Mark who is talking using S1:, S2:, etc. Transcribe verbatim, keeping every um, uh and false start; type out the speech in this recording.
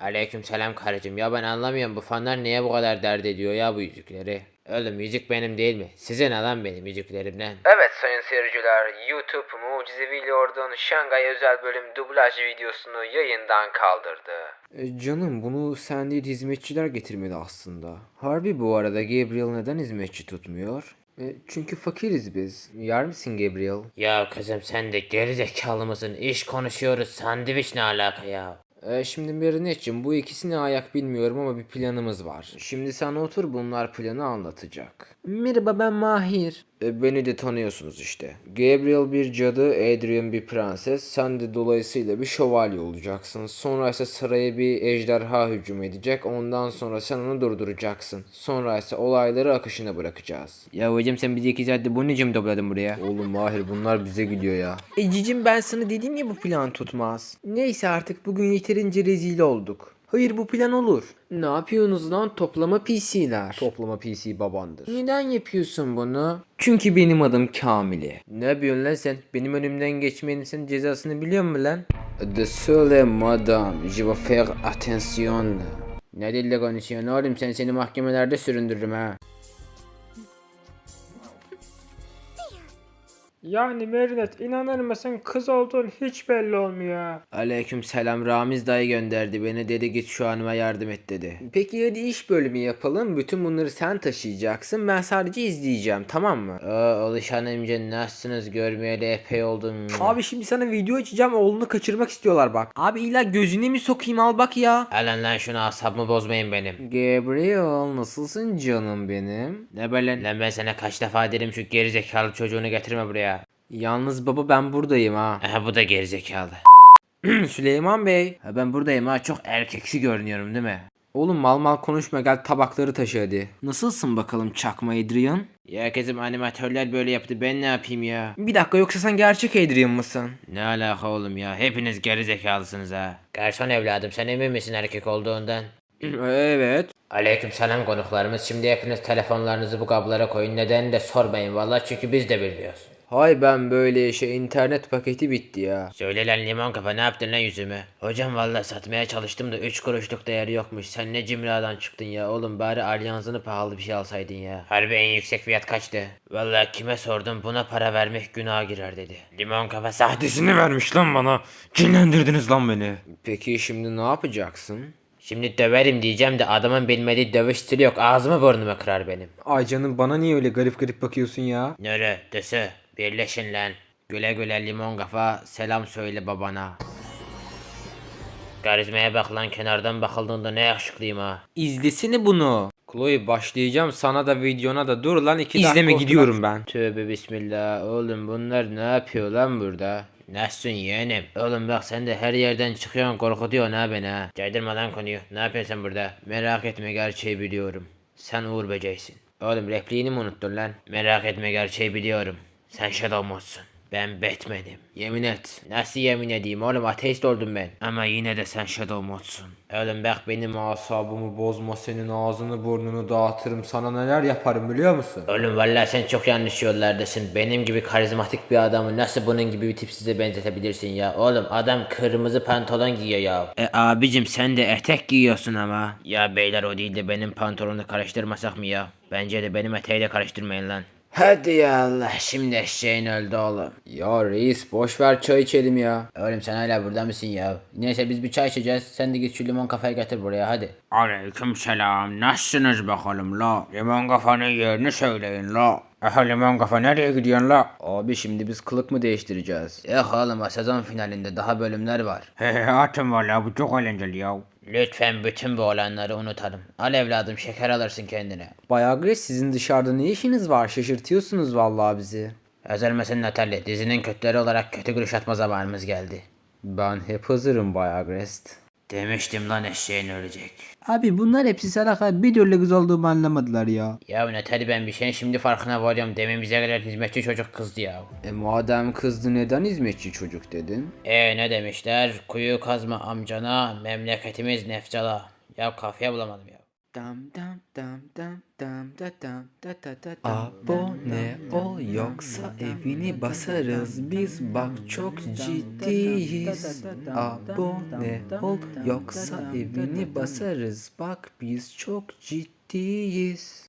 S1: Aleykümselam karıcığım. Ya ben anlamıyorum bu fanlar niye bu kadar dert ediyor ya bu yüzükleri. Oğlum yüzük benim değil mi? Size ne lan benim yüzüklerimden? Evet sayın seyirciler, YouTube Mucizevi Lord'un Şangay özel bölüm dublaj videosunu yayından kaldırdı.
S2: E, canım bunu sen değil hizmetçiler getirmeli aslında. Harbi bu arada Gabriel neden hizmetçi tutmuyor? E, çünkü fakiriz biz. Yer misin Gabriel?
S1: Ya kızım sen de gerizekalı mısın? İş konuşuyoruz, sandviç ne alaka ya?
S2: E, şimdi Merinet'cim bu ikisine ayak bilmiyorum ama bir planımız var. Şimdi sen otur bunlar planı anlatacak. Merhaba ben Mahir. E, beni de tanıyorsunuz işte. Gabriel bir cadı, Adrian bir prenses. Sen de dolayısıyla bir şövalye olacaksın. Sonra ise saraya bir ejderha hücum edecek. Ondan sonra sen onu durduracaksın. Sonra ise olayları akışına bırakacağız.
S1: Ya hocam sen bizi iki saatte bunun için mi topladın buraya?
S2: Oğlum Mahir bunlar bize gidiyor ya. E cicim ben sana dedim ya bu plan tutmaz. Neyse artık bugün yeterince rezil olduk. Hayır bu plan olur. Ne yapıyorsunuz lan toplama P C'ler? Toplama P C babandır. Neden yapıyorsun bunu? Çünkü benim adım Kamili. Ne yapıyorsun lan sen? Benim önümden geçmenin senin cezasını biliyor musun lan? De söyle madame, je vais faire attention.
S1: Ne dille konuşuyorsun oğlum, sen seni mahkemelerde süründürürüm ha.
S3: Yani Merinet inanır mısın kız olduğun hiç belli olmuyor.
S2: Aleyküm selam, Ramiz dayı gönderdi beni, dedi git şu hanıma yardım et dedi. Peki hadi iş bölümü yapalım, bütün bunları sen taşıyacaksın, ben sadece izleyeceğim, tamam mı?
S1: Oo Oluş hanımca nasılsınız, görmeyeli epey oldum.
S2: Abi şimdi sana video açacağım, oğlunu kaçırmak istiyorlar bak. Abi illa gözüne mi sokayım, al bak ya.
S1: Alın lan şunu, asabımı bozmayın benim.
S2: Gabriel nasılsın canım benim?
S1: Ne böyle lan, ben sana kaç defa dedim şu gerizekalı çocuğunu getirme buraya.
S2: Yalnız baba ben buradayım ha.
S1: Aha bu da gerizekalı.
S2: Süleyman Bey.
S1: Ha ben buradayım ha, çok erkeksi görünüyorum değil mi?
S2: Oğlum mal mal konuşma, gel tabakları taşı hadi. Nasılsın bakalım çakma Adrian?
S1: Ya kızım animatörler böyle yaptı, ben ne yapayım ya?
S2: Bir dakika, yoksa sen gerçek Adrian mısın?
S1: Ne alaka oğlum ya, hepiniz gerizekalısınız ha. Garson evladım, sen emin misin erkek olduğundan?
S2: Evet.
S1: Aleyküm selam konuklarımız, şimdi hepiniz telefonlarınızı bu kablara koyun, neden de sormayın vallahi, çünkü biz de bilmiyoruz.
S2: Hay ben böyle şey, internet paketi bitti ya.
S1: Söyle lan limon kafa, ne yaptın lan yüzüme? Hocam vallahi satmaya çalıştım da üç kuruşluk değeri yokmuş. Sen ne cimradan çıktın ya oğlum, bari alyansını pahalı bir şey alsaydın ya. Harbi en yüksek fiyat kaçtı? Vallahi kime sordum, buna para vermek günaha girer dedi. Limon kafa sahtesini vermiş lan bana. Cinlendirdiniz lan beni.
S2: Peki şimdi ne yapacaksın?
S1: Şimdi döverim diyeceğim de adamın bilmediği dövüş stili yok, ağzımı burnumu kırar benim.
S2: Ay canım, bana niye öyle garip garip bakıyorsun ya?
S1: Nere dese birleşin lan. Güle güle limon kafa, selam söyle babana. Karizmaya bak lan, kenardan bakıldığında ne yakışıklıyım ha.
S2: İzlesene bunu. Chloe başlayacağım sana da videona da, dur lan iki dakika. İzleme
S1: otur
S2: gidiyorum
S1: lan.
S2: ben.
S1: Tövbe bismillah, oğlum bunlar ne yapıyor lan burada? Nasılsın yeğenim? Oğlum bak sen de her yerden çıkıyorsun, korkutuyorsun ha beni ha. Caydırma lan konuyu, ne yapıyorsun sen burada? Merak etme, gerçeği biliyorum. Sen Uğur Böceğisin. Oğlum repliğini mi unuttun lan? Merak etme, gerçeği biliyorum. Sen Shadow Mode'sun. Ben Batman'im. Yemin et. Nasıl yemin edeyim oğlum, ateist oldum ben. Ama yine de sen Shadow Mode'sun. Oğlum bak benim
S2: Asabımı bozma, senin ağzını burnunu dağıtırım, sana neler yaparım biliyor musun?
S1: Oğlum vallahi sen çok yanlış yollardasın. Benim gibi karizmatik bir adamı nasıl bunun gibi bir tipsize benzetebilirsin ya? Oğlum adam kırmızı pantolon giyiyor ya. E abicim sen de etek giyiyorsun ama. Ya beyler o değil de benim pantolonu karıştırmasak mı ya? Bence de benim eteği de karıştırmayın lan. Hadi ya Allah, şimdi eşeğin öldü oğlum.
S2: Ya reis boş ver, çay içelim ya.
S1: Oğlum sen hala burada mısın ya? Neyse biz bir çay içeceğiz. Sen de git şu limon kafayı getir buraya hadi. Aleyküm selam. Nasılsınız bakalım la? Limon kafanın yerini söyleyin la. Aha limon kafa nereye gidiyorsun la?
S2: Abi şimdi biz kılık mı değiştireceğiz?
S1: Yok oğlum, sezon finalinde daha bölümler var.
S3: He he atın valla, bu çok eğlenceli ya.
S1: Lütfen bütün bu olanları unutalım. Al evladım, şeker alırsın kendine.
S2: Bayağı Grace, sizin dışarıda ne işiniz var? Şaşırtıyorsunuz vallahi bizi.
S1: Hazır mısın Natalie? Dizinin kötüleri olarak kötü gülüş atma zamanımız geldi.
S2: Ben hep hazırım Bayağı Grace.
S1: Demiştim lan eşeğin ölecek.
S2: Abi bunlar hepsi salak, bir türlü kız olduğumu anlamadılar ya.
S1: Ya Natalie, ben bir şeyin şimdi farkına varıyorum. Demin bize gelen hizmetçi çocuk kızdı ya.
S2: E madem kızdı neden hizmetçi çocuk dedin?
S1: E ne demişler? Kuyu kazma amcana, memleketimiz nefcala. Ya kafaya bulamadım ya.
S2: Dam dam dam dam dam da dam da da da dam. Abone ol yoksa evini basarız biz, bak çok ciddiyiz. Abone ol yoksa evini basarız, bak biz çok ciddiyiz.